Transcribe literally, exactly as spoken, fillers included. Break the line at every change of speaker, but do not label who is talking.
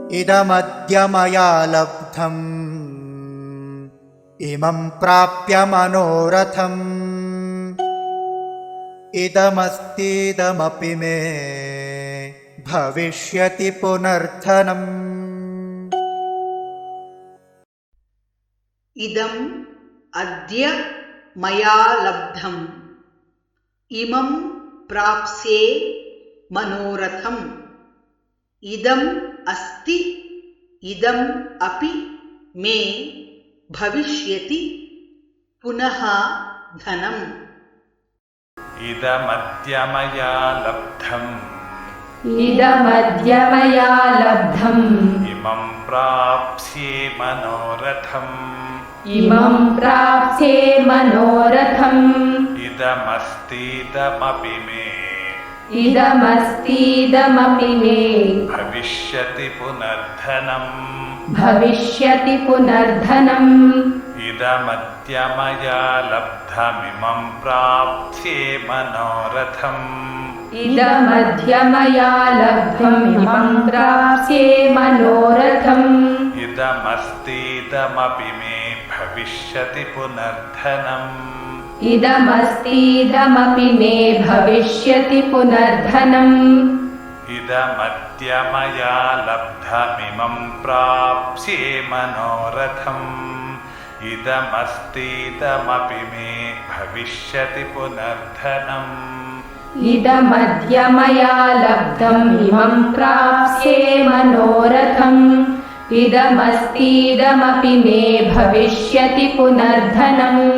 इदमद्य मया लब्धम् इमं प्राप्य मनोरथम् इदमस्तीदमपि मे भविष्यति पुनर्धनम्।
इदम् अद्य मया लब्धम् इमं प्राप्स्ये मनोरथम् इदम् अस्ति इदम् अपि मे भविष्यति पुनः धनम्।
इदमद्य मया लब्धम्
इदमद्य मया लब्धम्
इमं प्राप्स्ये मनोरथम्
इमं प्राप्स्ये मनोरथम्
इदमस्तीदमपि मे
इदमस्तीदमपि मे
भविष्यति पुनर्धनम्
भविष्यति पुनर्धनम्।
इदमद्य मया लब्धमिमं प्राप्स्ये मनोरथम्
इदमद्य मया लब्धम् इमं प्राप्स्ये मनोरथम्
इदमस्तीदमपि मे भविष्यति पुनर्धनम्
इदमस्तीदमपि मे भविष्यति पुनर्धनम्।
इदमद्य मया लब्धमिमं प्राप्स्ये मनोरथम् इदमस्तीदमपि मे भविष्यति पुनर्धनम्
इदमद्य मया लब्धम् इमं प्राप्स्ये मनोरथम् इदमस्तीदमपि मे भविष्यति पुनर्धनम्।